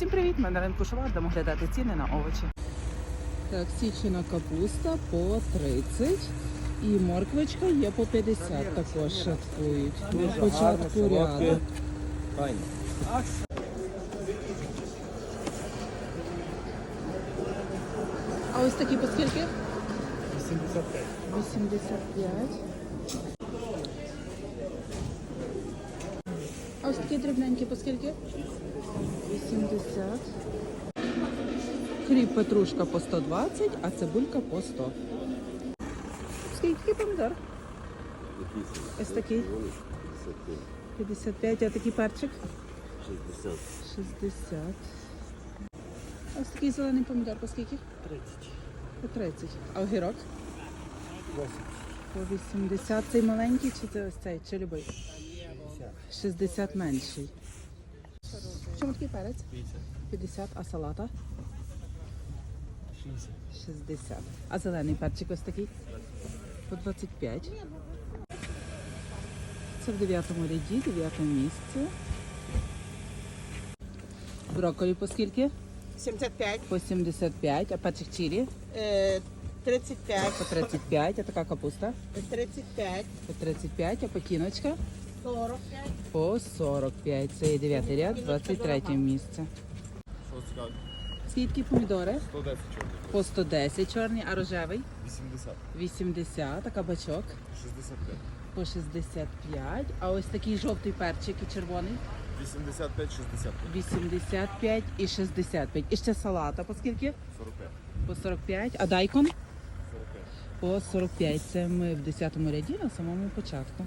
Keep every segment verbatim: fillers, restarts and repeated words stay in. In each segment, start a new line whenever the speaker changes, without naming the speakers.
Всім привіт! Ми на ринку Шувар, будемо глядати ціни на овочі. Так, січена капуста по тридцять і морквочка є по п'ятдесят, також шаткують. На початку ряду. А ось такі по скільки?
вісімдесят п'ять.
вісімдесят п'ять. А ось такі дрібненькі по скільки? вісімдесят. Хліб петрушка по сто двадцять, а цибулька по сто. Скільки помідор? Ось такий. п'ятдесят п'ять, а такий перчик?
шістдесят.
шістдесят. Ось такий зелений помідор по скільки?
тридцять.
По тридцять. А огірок?
вісімдесят.
По вісімдесят. Цей маленький чи це ось цей? Чи любий? шістдесят менший. Чому такий перець? п'ятдесят. А салата?
шістдесят.
шістдесят. А зелений перчик ось такий? По двадцять п'ять. Це в дев'ятому ряді, дев'ятому місці. Брокколі по скільки?
сімдесят п'ять,
По сімдесят п'ять. А перчик чилі?
е, тридцять п'ять,
По тридцять п'ять. А така капуста?
тридцять п'ять,
По тридцять п'ять. А пекіночка?
сорок п'ять,
По сорок п'ять. Це є дев'ятий ряд, двадцять третє місце.
Що цікаво?
Скільки помідори?
сто десять чорних.
По сто десять чорний, а рожевий?
вісімдесят.
вісімдесят. А кабачок?
шістдесят п'ять.
По шістдесят п'ять. А ось такий жовтий перчик і червоний?
вісімдесят п'ять, шістдесят п'ять.
вісімдесят п'ять і шістдесят п'ять. І ще салата по скільки?
сорок п'ять.
По сорок п'ять. А дайкон?
сорок п'ять.
По сорок п'ять. Це ми в десятому ряді на самому початку.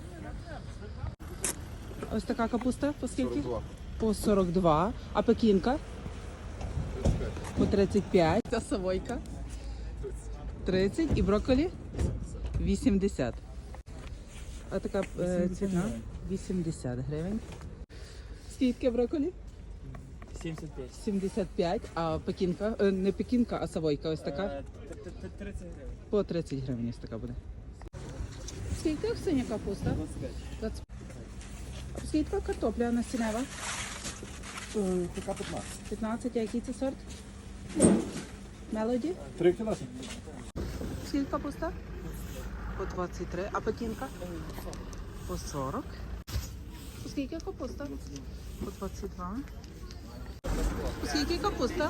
Ось така капуста по скільки?
сорок два.
По сорок два. А пекінка?
тридцять п'ять.
По тридцять п'ять. Та савойка? тридцять. І брокколі? вісімдесят. А така е, ціна? вісімдесят гривень. Скільки брокколі?
сімдесят п'ять.
сімдесят п'ять. А пекінка? Е, не пекінка, а савойка ось така?
тридцять гривень.
По тридцять гривень ось така буде. Скільки синя капуста?
двадцять п'ять.
двадцять. А скільки така картопля насінева?
Така п'ятнадцять.
п'ятнадцять. А який це сорт? Мелоді?
три кілометри.
Скільки капуста? По двадцять три. А пекінка? По сорок. Скільки капуста? По двадцять два. Скільки капуста?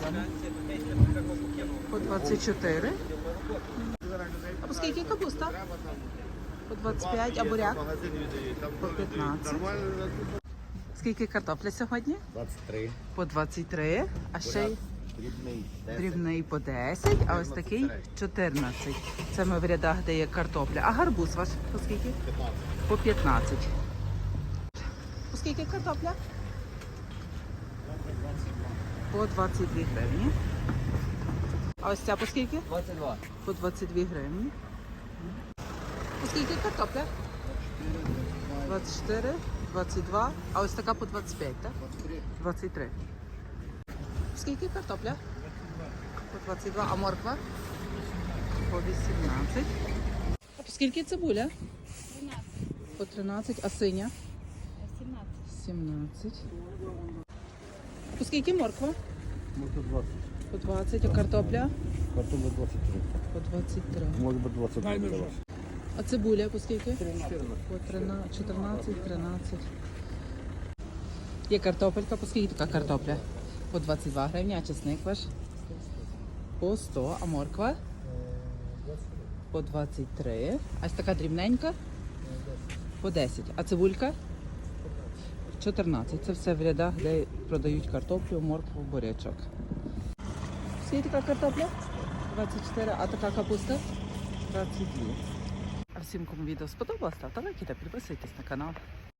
По двадцять чотири. А по скільки капуста? По двадцять п'ять. А буряк? По п'ятнадцять. Скільки картопля сьогодні?
двадцять три.
По двадцять три. А ще й
Дрібний.
дрібний по десять, а ось такий чотирнадцять. Це ми в рядах, де є картопля. А гарбуз ваш по скільки?
п'ятнадцять.
По п'ятнадцять. По скільки картопля? По двадцять дві гривні. А ось ця по скільки?
двадцять два.
По двадцять дві гривні. По скільки картопля? двадцять чотири, двадцять два. А ось така по двадцять п'ять, так? двадцять три. Скільки картопля? По двадцять два. А морква? По вісімнадцять. А по скільки цибуля?
тринадцять.
По тринадцять. А синя?
сімнадцять.
сімнадцять. По скільки морква?
Може двадцять.
По двадцять. А картопля?
Картопля двадцять три.
По двадцять три.
Може бути двадцять два.
А цибуля по скільки? По тринадцять, чотирнадцять, тринадцять. Є картопелька. По скільки така картопля? По двадцять два гривні. А чесник ваш? По сто. А морква? По двадцять три. А ось така дрібненька? По десять. А цибулька? чотирнадцять. Це все в рядах, де продають картоплю, моркву, бурячок. Скільки така картопля? двадцять чотири. А така капуста? двадцять два. А всім, кому відео сподобалось, ставте лайки та підписуйтесь на канал.